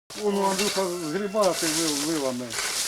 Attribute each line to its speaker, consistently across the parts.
Speaker 1: Воно Андрюха згрібати вилами.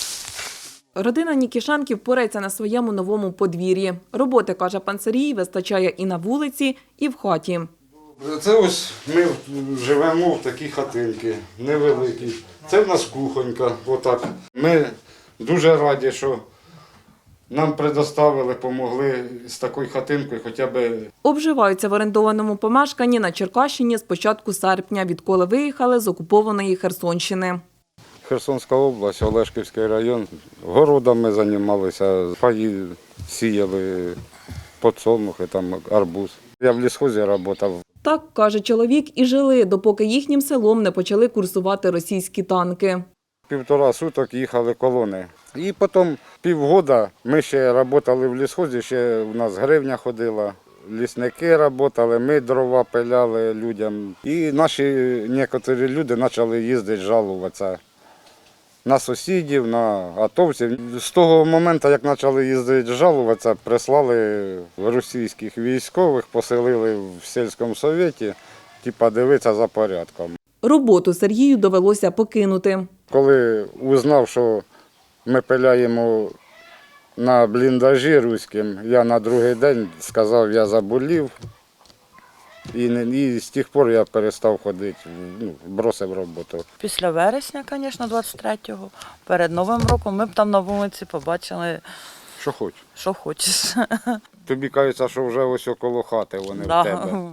Speaker 2: Родина Нікішенків порається на своєму новому подвір'ї. Роботи, каже пан Сергій, вистачає і на вулиці, і в хаті.
Speaker 1: Це ось ми живемо в такій хатинці, невеликій. Це в нас кухонька, отак. Ми дуже раді, що нам предоставили, допомогли з такою хатинкою хоча б.
Speaker 2: Обживаються в орендованому помешканні на Черкащині з початку серпня, відколи виїхали з окупованої Херсонщини.
Speaker 1: Херсонська область, Олешківський район. Городами займалися, паї сіяли, подсолнухи, там, арбуз. Я в лісхозі працював.
Speaker 2: Так, каже чоловік, і жили, допоки їхнім селом не почали курсувати російські танки.
Speaker 1: 1,5 суток їхали колони. І потім півгода ми ще працювали в лісхозі, ще у нас гривня ходила. Лісники працювали, ми дрова пиляли людям. І наші некоторі люди почали їздити, жалуватися на сусідів, на атовців. З того моменту, як почали їздити жалуватися, прислали російських військових, поселили в сільському совєті, дивитися за порядком.
Speaker 2: Роботу Сергію довелося покинути.
Speaker 1: Коли узнав, що ми пиляємо на бліндажі руським, я на другий день сказав, я заболів. І з тих пор я перестав ходити, бросив роботу.
Speaker 3: Після вересня, звісно, 23-го, перед Новим роком ми б там на вулиці побачили,
Speaker 1: Що хоч.
Speaker 3: що хочеш.
Speaker 1: Тобі кажеться, що вже ось около хати вони в тебе.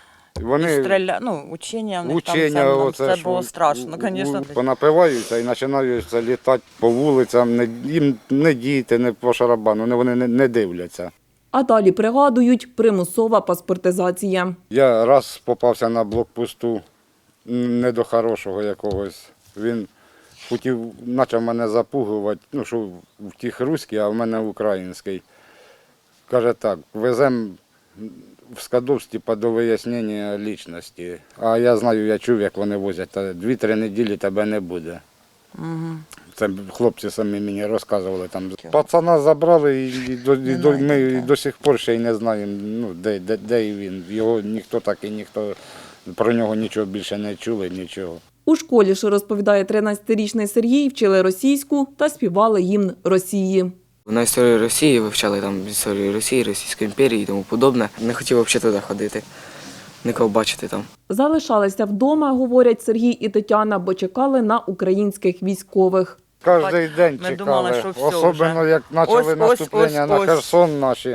Speaker 3: Учення в них там, це було страшно, звісно.
Speaker 1: Понапиваються і починаються літати по вулицям, їм не діти, не по шарабану, вони не дивляться.
Speaker 2: А далі пригадують примусова паспортизація.
Speaker 1: Я раз попався на блокпосту, не до хорошого якогось. Він почав мене запугувати, що в тих руський, а в мене український. Каже так, веземо в Скадовськ до вияснення лічності. А я знаю, я чув, як вони возять, 2-3 неділі тебе не буде. Це хлопці самі мені розказували. Пацана забрали і ми до сих пор ще й не знаємо, де він. Його ніхто про нього нічого більше не чули, нічого.
Speaker 2: У школі, що розповідає 13-річний Сергій, вчили російську та співали гімн Росії.
Speaker 4: На історію Росії вивчали там історію Росії, Російської імперії і тому подобне. Не хотів взагалі туди ходити, нікого бачити там.
Speaker 2: Залишалися вдома, говорять Сергій і Тетяна, бо чекали на українських військових.
Speaker 1: Кожен день чекали,
Speaker 3: думали, що все
Speaker 1: особливо
Speaker 3: вже.
Speaker 1: як почали наступлення на Херсон наші.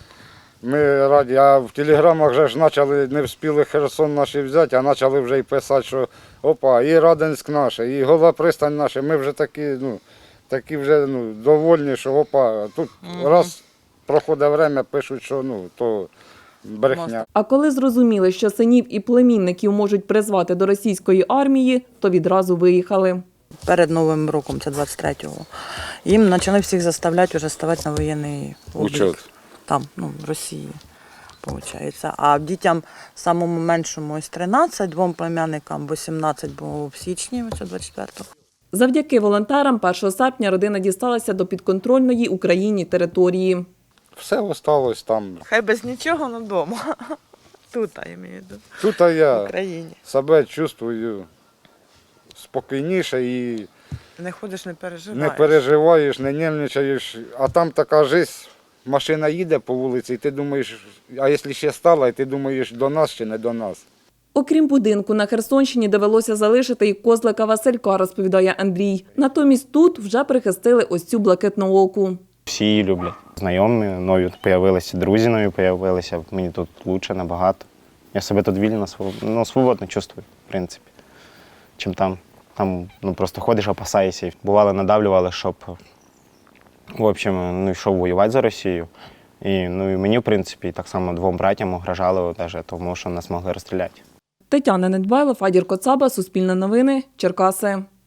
Speaker 1: Ми раді, а в телеграмах вже ж почали, не встигли Херсон наші взяти, а почали вже й писати, що опа, і Радонськ наш, і Гола пристань наша. Ми вже такі вже довольні, що опа, тут раз проходить время, пишуть, що то брехня.
Speaker 2: А коли зрозуміли, що синів і племінників можуть призвати до російської армії, то відразу виїхали.
Speaker 3: Перед Новим роком, це 23-го, їм почали всіх заставляти вже ставати на воєнний облік.
Speaker 1: Учет.
Speaker 3: Там, в Росії, виходить. А дітям самому меншому ось 13, двом племянникам 18 було в січні, це 24-го.
Speaker 2: Завдяки волонтерам 1 серпня родина дісталася до підконтрольної Україні території.
Speaker 1: Все осталось там.
Speaker 3: Хай без нічого, але вдома. Тут, я маю в виду.
Speaker 1: Тут
Speaker 3: В
Speaker 1: я
Speaker 3: Україні.
Speaker 1: себе чувствую спокійніше і
Speaker 3: Не ходиш, не переживаєш.
Speaker 1: не переживаєш, не нервничаєш. А там така жизнь, машина їде по вулиці, і ти думаєш, а якщо ще стала, і ти думаєш, до нас чи не до нас.
Speaker 2: Окрім будинку, на Херсонщині довелося залишити і козлика Василька, розповідає Андрій. Натомість тут вже прихистили ось цю блакитнооку.
Speaker 5: Всі її люблять. Знайомі нові з'явилися, друзі нові з'явилися. Мені тут краще набагато. Я себе тут вільно, свободно чувствую, в принципі, чим там. Там просто ходиш, опасаєшся. Бувало, надавлювали, щоб в общем, йшов воювати за Росію. І мені, в принципі, так само 2 братям угрожали, тому що нас могли розстріляти.
Speaker 2: Тетяна Недбайло, Фадір Коцаба, Суспільне новини, Черкаси.